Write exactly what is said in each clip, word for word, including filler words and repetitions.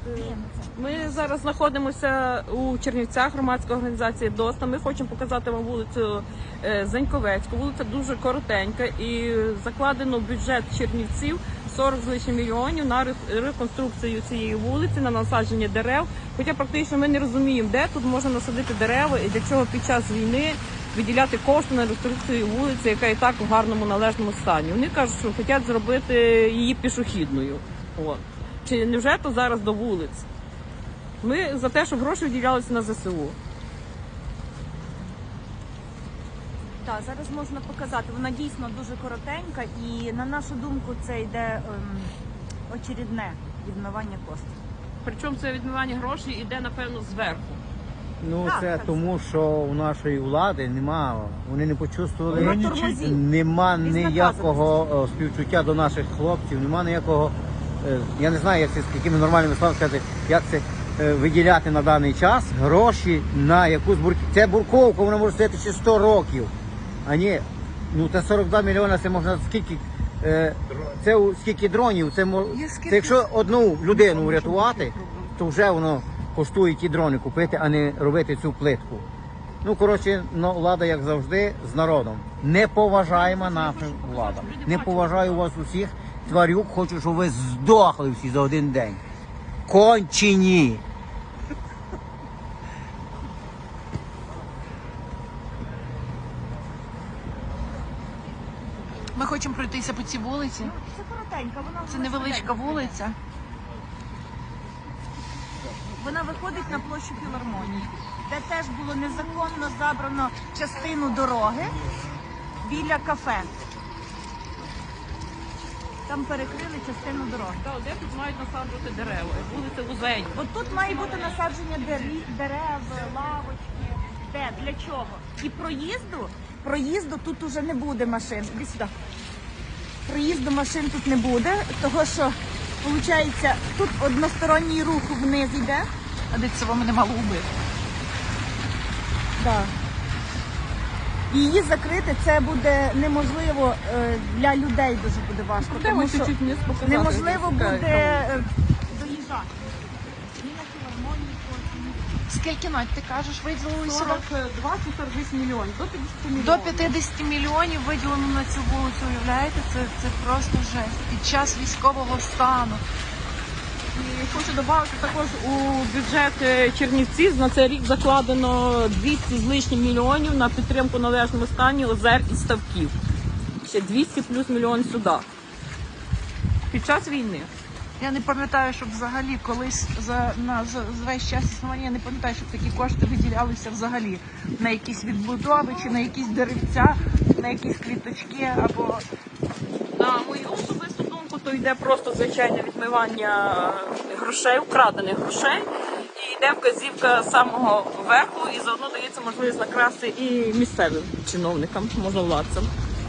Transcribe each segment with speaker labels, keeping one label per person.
Speaker 1: Ми зараз знаходимося у Чернівцях, громадська організація ДОСТА. Ми хочемо показати вам вулицю е, Заньковецьку. Вулиця дуже коротенька і закладено в бюджет Чернівців сорок з лишнім мільйонів на реконструкцію цієї вулиці, на насадження дерев. Хоча практично ми не розуміємо, де тут можна насадити дерева і для чого під час війни виділяти кошти на реконструкцію вулиці, яка і так у гарному належному стані. Вони кажуть, що хочуть зробити її пішохідною. От. Чи невже то зараз до вулиць? Ми за те, щоб гроші виділялися на ЗСУ.
Speaker 2: Так, зараз можна показати. Вона дійсно дуже коротенька і, на нашу думку, це йде ем, очередне відмивання коштів.
Speaker 1: Причому це відмивання грошей йде, напевно, зверху.
Speaker 3: Ну
Speaker 2: Так,
Speaker 3: це
Speaker 2: так.
Speaker 3: тому, що у нашої влади немає, вони не почувствували,
Speaker 2: Вона тормозить.
Speaker 3: нема
Speaker 2: Безнаказаності.
Speaker 3: ніякого о, співчуття до наших хлопців, нема ніякого, е, я не знаю, як це, з якими нормальними словами сказати, як це е, виділяти на даний час гроші на якусь бурківку. Це бурковка, вона може стояти ще сто років, а ні, ну це сорок два мільйони, це можна скільки, е, це у- скільки дронів, це, мо- це якщо одну людину врятувати, то вже воно коштує ті дрони купити, а не робити цю плитку. Ну, коротше, ну, влада, як завжди, з народом. Не поважаємо наша влада. Не поважаю вас усіх. Тварюк, хочу, щоб ви здохли всі за один день. Кончені!
Speaker 4: Ми хочемо пройтися по цій вулиці.
Speaker 2: Ну, це коротенька, вона
Speaker 4: Це невеличка вулиця.
Speaker 2: Вона виходить на площу Філармонії, де теж було незаконно забрано частину дороги біля кафе. Там перекрили частину дороги.
Speaker 1: Та де тут мають насаджувати дерева? Вулиця Вузень.
Speaker 2: От тут має бути насадження дерев, дерев, лавочки. Де? Для чого? І проїзду, проїзду тут уже не буде машин. Іди сюди. Проїзду машин тут не буде, того що, виходить, тут односторонній рух вниз йде.
Speaker 4: А де це вам не мало убити?
Speaker 2: Да. Її закрити це буде неможливо, е, для людей дуже буде важко.
Speaker 1: Де
Speaker 2: Тому
Speaker 1: ми
Speaker 2: що
Speaker 1: чуть-чуть вниз показати?
Speaker 2: неможливо
Speaker 1: як
Speaker 2: буде
Speaker 1: тікає.
Speaker 2: е, доїжджати. Ні на філармонії, потім.
Speaker 4: Скільки, Надь, ти кажеш, виділили сюди?
Speaker 1: сорок два чи сорок вісім мільйонів, до п'ятдесят мільйонів.
Speaker 4: До п'ятдесят мільйонів виділено на цю вулицю, уявляєте? Це, це просто жесть. Під час військового стану.
Speaker 1: І хочу додати також у бюджет е, Чернівців на цей рік закладено двісті з лишнім мільйонів на підтримку належному стані озер і ставків. Ще двісті плюс мільйон сюди. Під час війни.
Speaker 4: Я не пам'ятаю, щоб взагалі колись за, на, за, за весь час існування, я не пам'ятаю, щоб такі кошти виділялися взагалі на якісь відбудови, чи на якісь деревця, на якісь квіточки або...
Speaker 1: На мою особисту думку, то йде просто звичайне відмивання грошей, вкрадених грошей. І йде вказівка з самого верху, і заодно дається можливість накрасти і місцевим чиновникам, можновладцям.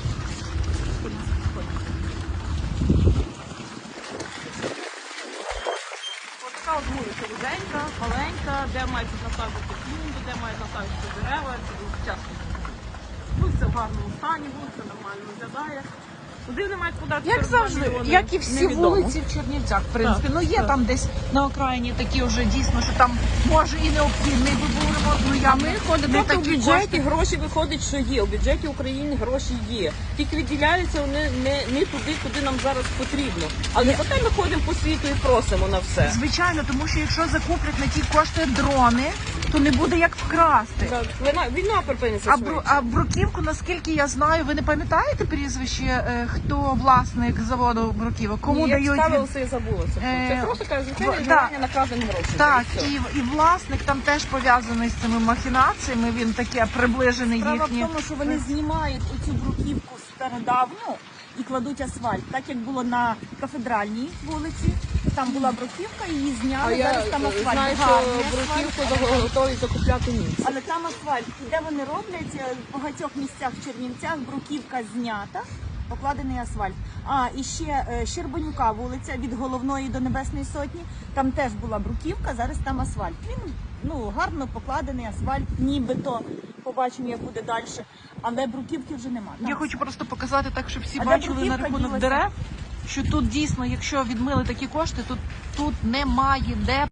Speaker 1: Ось така от вулиця вузенька, маленька, де мають насаджувати клумби, де мають насаджувати дерева. Часто. Вулиця в гарному стані, вулиця нормально виглядає. Куди вони мають подати?
Speaker 4: Як завжди, як і всі вулиці в Чернівцях, в принципі.
Speaker 1: Так,
Speaker 4: Ну є
Speaker 1: так.
Speaker 4: там десь на окраїні такі вже дійсно, що там може і необхідний би був ремонт, ну я
Speaker 1: Ми ходимо,
Speaker 4: не
Speaker 1: тобто у
Speaker 4: такі
Speaker 1: бюджеті
Speaker 4: кошти.
Speaker 1: гроші виходить, що є. У бюджеті України гроші є. Тільки виділяються вони не, не туди, куди нам зараз потрібно. Але потім ми ходимо по світу і просимо на все.
Speaker 4: Звичайно, тому що якщо закуплять на ті кошти дрони, то не буде як вкрасти.
Speaker 1: Так, Війна, війна припиниться
Speaker 4: А, бру,
Speaker 1: швидше.
Speaker 4: а Бруківку, наскільки я знаю, ви не пам'ятаєте прізвище, е, хто власник заводу Бруківок? Кому
Speaker 1: Я
Speaker 4: дають?
Speaker 1: цікавилася і забулася.
Speaker 4: Е,
Speaker 1: Це просто каже,
Speaker 4: в-
Speaker 1: звичайне
Speaker 4: да.
Speaker 1: відмивання накрадених грошей.
Speaker 4: Так,
Speaker 1: І все.
Speaker 4: і, і власник там теж пов'язаний з цими махінаціями, він таке приближений
Speaker 2: Справа
Speaker 4: їхні.
Speaker 2: в тому, що вони знімають оцю бруківку стародавну і кладуть асфальт. Так як було на кафедральній вулиці, там була бруківка, її
Speaker 1: А
Speaker 2: зняли,
Speaker 1: я
Speaker 2: зараз там асфальт.
Speaker 1: знаю, що
Speaker 2: Гарний асфальт.
Speaker 1: бруківку готові закупляти німці.
Speaker 2: Але там асфальт. І де вони роблять, е, в багатьох місцях в Чернівцях бруківка знята, покладений асфальт. А, і ще е, Щербанюка вулиця від Головної до Небесної Сотні, там теж була бруківка, зараз там асфальт. Він ну, гарно покладений асфальт, нібито, побачимо, як буде далі. Але бруківки вже немає.
Speaker 4: Я хочу просто показати так, щоб всі
Speaker 2: А де
Speaker 4: бачили на
Speaker 2: бруківка
Speaker 4: рахунок
Speaker 2: ділася?
Speaker 4: дерев, що тут дійсно, якщо відмили такі кошти, то тут немає де